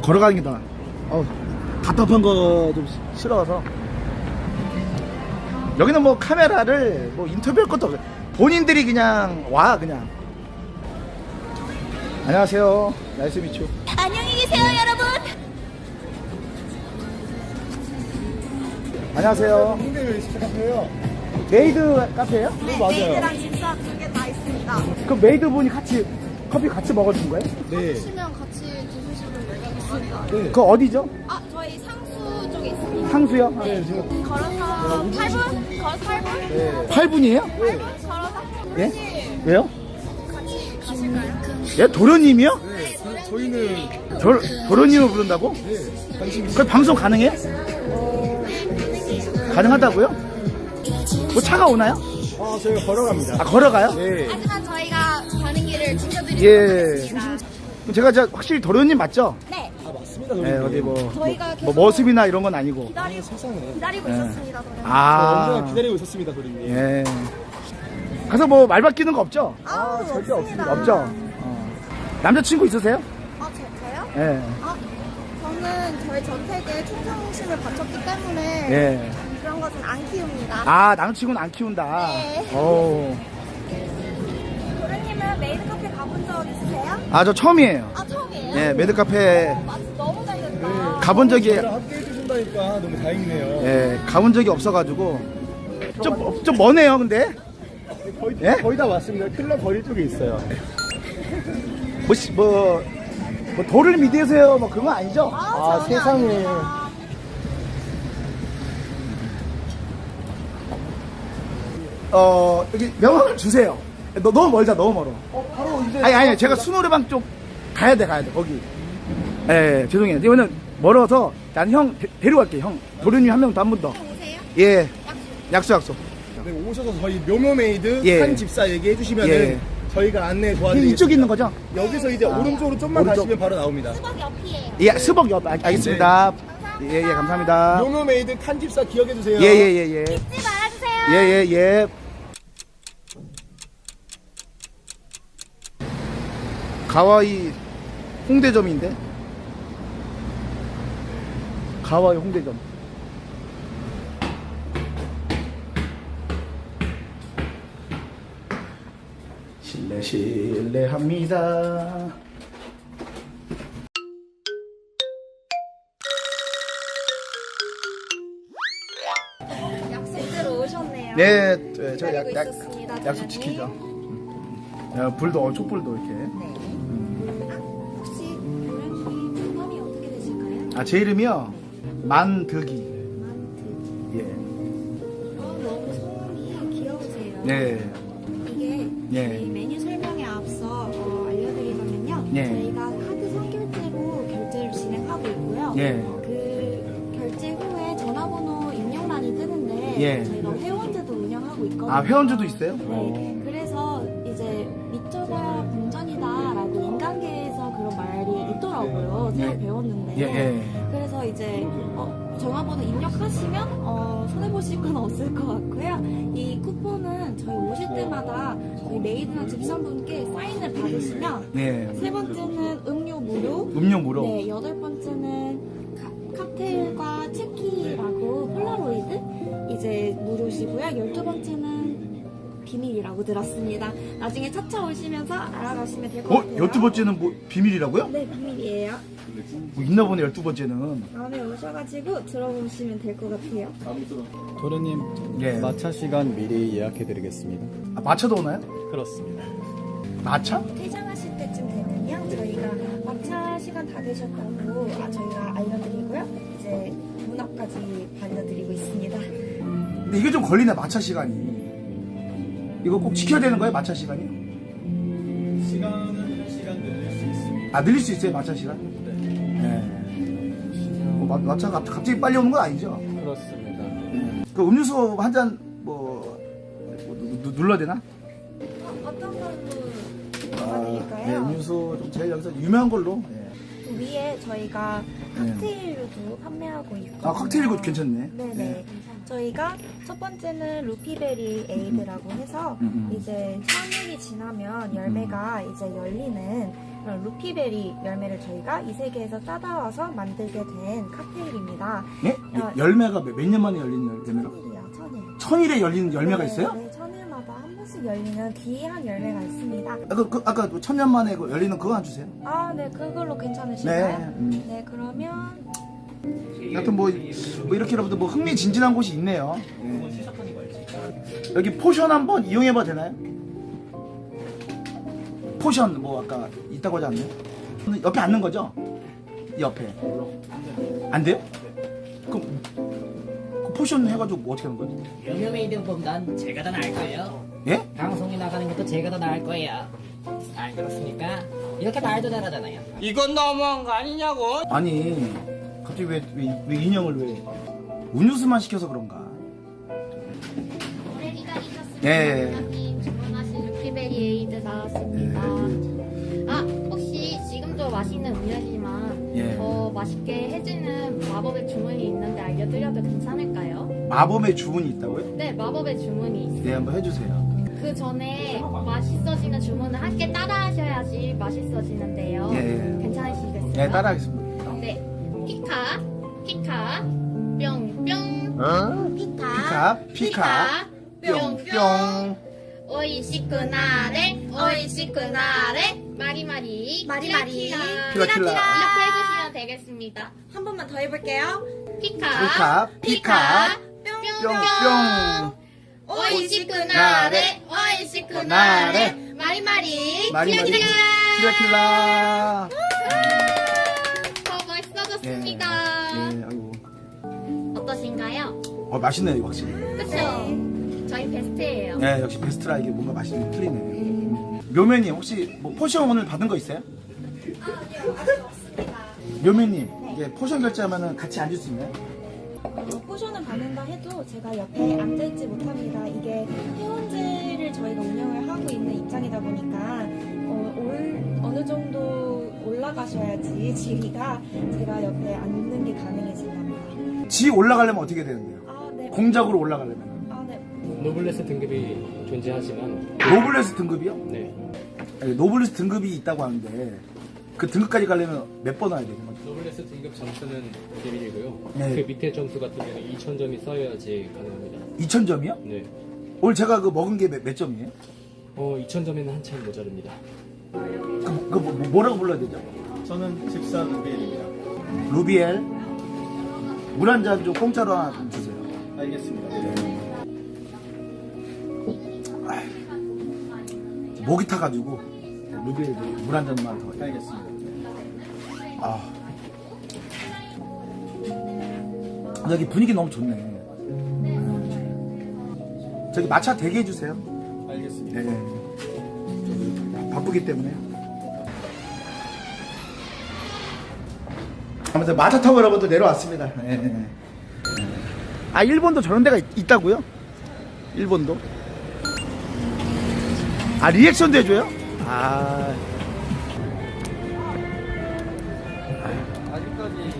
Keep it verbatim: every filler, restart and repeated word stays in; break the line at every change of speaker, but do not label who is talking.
걸어가는 게 나아. 어, 답답한 거 좀 싫어서. 여기는 뭐 카메라를 뭐 인터뷰할 것도 없어요. 본인들이 그냥 와 그냥. 안녕하세요. 나이스 미추.
안녕히 계세요, 여러분.
안녕하세요.
홍대 웨이스트 카페예요.
메이드 카페예요?
네,
맞아요.
메이드랑 집사 두 개 다 있습니다.
그럼 메이드 분이 같이 커피 같이 먹어준 거예요?
네.
드시면 같이 드시면 있습니다.
네.
그 어디죠?
아, 저희 상수 쪽에 있습니다.
상수요?
네, 지금
걸어서 팔 분? 걸어서 팔 분?
네.
팔 분이에요?
팔 분? 걸어서?
예? 왜요?
같이 가실까요?
예? 도련님이요?
네. 저, 저희는
도, 도련님을 부른다고?
네. 관심
그 방송 가능해요? 가능하다고요? 뭐 차가 오나요?
아, 저희가 걸어갑니다.
아 걸어가요?
네.
하지만 저희가 가는 길을 지켜드리도록
예.
하겠습니다.
그럼 제가 진짜 확실히 도련님 맞죠?
네,
아, 맞습니다.
네,
도련님.
어디 뭐,
저희가
뭐,
계속
뭐 머슴이나 이런 건 아니고.
기다리고,
세상에.
기다리고
네.
있었습니다. 저는.
아.
아,
언제나 기다리고 있었습니다, 도련님.
예. 가서 뭐 말 바뀌는 거 없죠?
아,
절대 없습니다.
없죠? 어. 남자친구 있으세요?
아, 저, 저요?
예.
아, 저는 저희 전택에 충성심을 바쳤기 때문에
예.
그런 것은 안 키웁니다.
아, 남자친구는 안 키운다.
네.
오.
도련님은 메이드 카페 가본 적 있으세요?
아, 저 처음이에요.
아, 처음이에요?
예, 메드 카페
맞, 너무 잘 됐다.
네.
가본 적이,
저희랑 함께 해주신다니까 너무 다행이네요.
예, 가본 적이 없어가지고. 좀, 좀 머네요, 근데.
거의,
예?
거의 다 왔습니다. 클럽 거리 쪽에 있어요.
뭐, 씨, 뭐, 뭐, 도를 믿으세요? 뭐, 그건 아니죠?
아,
전혀
세상에.
아닙니다.
어, 여기 명함을 주세요. 너, 너무 멀다, 너무 멀어.
어, 바로 이제.
아니, 아니, 제가 수노래방 쪽 가야 돼, 가야 돼, 거기. 예, 죄송해요. 이거는 멀어서, 난 형, 데, 데려갈게, 형. 도련님 한 명 더, 한 분 더.
오세요?
예. 약속, 약속.
네, 오셔서 저희 묘묘메이드
예.
한 집사 얘기해 주시면은
예.
저희가 안내 도와드리겠습니다.
이쪽에 있는 거죠?
여기서 이제 오른쪽으로 좀만
오른쪽.
가시면 바로 나옵니다.
수박 옆이에요.
예, 스벅 옆, 알- 알겠습니다. 예, 예, 감사합니다.
묘묘메이드 칸 집사 기억해 주세요.
예, 예, 예, 예.
잊지 말아주세요.
예, 예, 예. 가와이 홍대점인데? 가와이 홍대점. 실례, 실례합니다.
약속대로 오셨네요.
네, 네, 저 약,
기다리고
약,
있었습니다,
약속
도련님.
지키죠. 음. 야, 불도, 어, 촛불도 이렇게.
네. 아, 혹시 도련님 성함이 어떻게 되실까요?
아, 제 이름이요? 만득이.
만트.
예.
어, 너무 성함이 귀여우세요.
네.
이게
예.
저희 메뉴 설명에 앞서 어, 알려드리자면요.
예.
저희가 카드 선결제로 결제를 진행하고 있고요.
예.
그 결제 후에 전화번호 입력란이 뜨는데
예.
저희가 회원제도 운영하고 있거든요.
아, 회원제도 있어요?
네. 그래서 이제 미쳐봐야 본전이다라고 인간계에서 그런 말이 있더라고요. 새로
예.
배웠는데.
예, 예.
그래서 이제 어, 전화번호 입력하시면 어, 손해보실 건 없을 것 같고요. 이 쿠폰은 저희 오실 때마다 저희 메이드나 집사분께 사인을 받으시면
네.
세 번째는 음료 무료,
음료 무료.
네, 여덟 번째는 카, 칵테일과 체키라고 폴라로이드 이제 무료시고요. 열두 번째는 비밀이라고 들었습니다. 나중에 차차 오시면서 알아가시면 될 것
어?
같아요.
열두 번째는 뭐, 비밀이라고요?
네, 비밀이에요.
뭐 있나 보네, 열두 번째는.
다음에 오셔가지고 들어보시면 될 것 같아요.
도련님,
예.
마차 시간 미리 예약해드리겠습니다.
아, 마차도 오나요?
그렇습니다.
마차?
퇴장하실 때쯤 되면요, 저희가 마차 시간 다 되셨다고 아, 저희가 알려드리고요. 이제 문 앞까지 반려드리고 있습니다.
근데 이게 좀 걸리네, 마차 시간이. 이거 꼭 지켜야 되는 거예요, 마차 시간이?
시간은 한 시간 늘릴 수 있습니다.
아, 늘릴 수 있어요, 마차 시간? 네. 뭐, 마, 마차가 갑- 갑자기 빨리 오는 건 아니죠?
그렇습니다.
그 음료수 한 잔, 뭐, 뭐 누, 누, 눌러야 되나?
어, 어떤 걸로
아,
도와드릴까요?
네, 음료수 좀 제일 여기서 유명한 걸로. 예.
그 위에 저희가
네.
칵테일도 판매하고 있고.
아, 칵테일 이거 괜찮네.
네네,
네.
괜찮아요. 저희가 첫 번째는 루피베리 에이드라고 해서
음, 음.
이제 삼일이 지나면 열매가 이제 열리는 그런 루피베리 열매를 저희가 이 세계에서 따다와서 만들게 된 칵테일입니다.
예?
어.
열매가 몇 년 만에 열리는 열매가?
천일이요, 천일.
천일에 열리는 열매가
네,
있어요?
네, 천일마다 한 번씩 열리는 귀한 열매가 있습니다.
아, 그, 그, 아까 그 천년 만에 그 열리는 그거 안 주세요?
아, 네, 그걸로 괜찮으실까요?
네, 음.
네, 그러면
하여튼 뭐, 뭐 이렇게 여러분들 뭐 흥미진진한 곳이 있네요. 예. 여기 포션 한번 이용해봐도 되나요? 포션 뭐 아까 있다고 하지 않나요? 옆에 앉는 거죠? 이 옆에 안 돼요? 그럼 그 포션 해가지고 뭐 어떻게 하는 거예요?
여명메이드보단 제가 더 나을 거예요.
예?
방송에 나가는 것도 제가 더 나을 거예요. 안 그렇습니까? 이렇게 말도 잘하잖아요.
아니 갑자기 왜, 왜, 왜 인형을 왜 음료수만 시켜서 그런가?
오래 기다리셨습니다.
네.
원장님 주문하신 루피베리 에이드 나왔습니다. 아 혹시 지금도 맛있는 음료지만
예.
더 맛있게 해주는 마법의 주문이 있는데 알려드려도 괜찮을까요?
마법의 주문이 있다고요?
네 마법의 주문이 있어요.
네 한번 해주세요.
그 전에 맛있어지는 주문을 함께 따라하셔야지 맛있어지는데요.
예.
괜찮으시겠어요?
네 따라하겠습니다.
네. 피카 피카 뿅뿅
피카 피카 뿅뿅
오이시쿠나레 오이시쿠나레 마리마리
마리마리,
킬라킬라.
이렇게 해주시면 되겠습니다.
한 번만 더 해볼게요.
피카
피카 피카 뿅뿅
오이시쿠나레 오이시쿠나레 마리마리
마리마리
킬라킬라
킬라킬라.
더 멋있어졌습니다.
예, 아이고.
어떠신가요?
어 맛있네요 이거 확실히.
그쵸? 저희 베스트예요.
네 역시 베스트라 이게 뭔가 맛이 좀 틀리네. 음. 묘매님 혹시 뭐 포션 오늘 받은 거 있어요? 묘매님 이게 포션 결제하면은 같이 앉을 수 있나요?
어, 포션을 받는다 해도 제가 옆에 앉아있지 못합니다. 이게 회원제를 저희가 운영을 하고 있는 입장이다 보니까 어, 올, 어느 정도 올라가셔야지 지위가 제가 옆에 앉는 게 가능해진답니다.
지 올라가려면 어떻게 되는데요?
아, 네.
공작으로 올라가려면
아, 네.
노블레스 등급이 존재하지만
노블레스 등급이요?
네
아니, 노블레스 등급이 있다고 하는데 그 등급까지 가려면 몇 번 와야 되는 거죠?
노블레스 등급 점수는 비밀이고요.
네.
그 밑에 점수 같은 경우는 이천 점이 쌓여야지 가능합니다.
이천 점이요?
네.
오늘 제가 그 먹은 게 몇 점이에요?
어 이천 점에는 한참 모자릅니다.
그, 그 뭐, 뭐라고 불러야 되죠?
저는 집사 루비엘입니다.
루비엘 물 한 잔 좀 공짜로 하나 좀 주세요.
알겠습니다.
목이 타가지고 루비엘 물 한 잔만 더.
알겠습니다.
아 여기 분위기 너무 좋네. 저기 마차 대기 해주세요.
알겠습니다.
네. 저기 바쁘기 때문에. 아무튼 마차 타고 여러분들 내려왔습니다. 네. 아 일본도 저런 데가 있, 있다고요? 일본도? 아 리액션도 해줘요? 아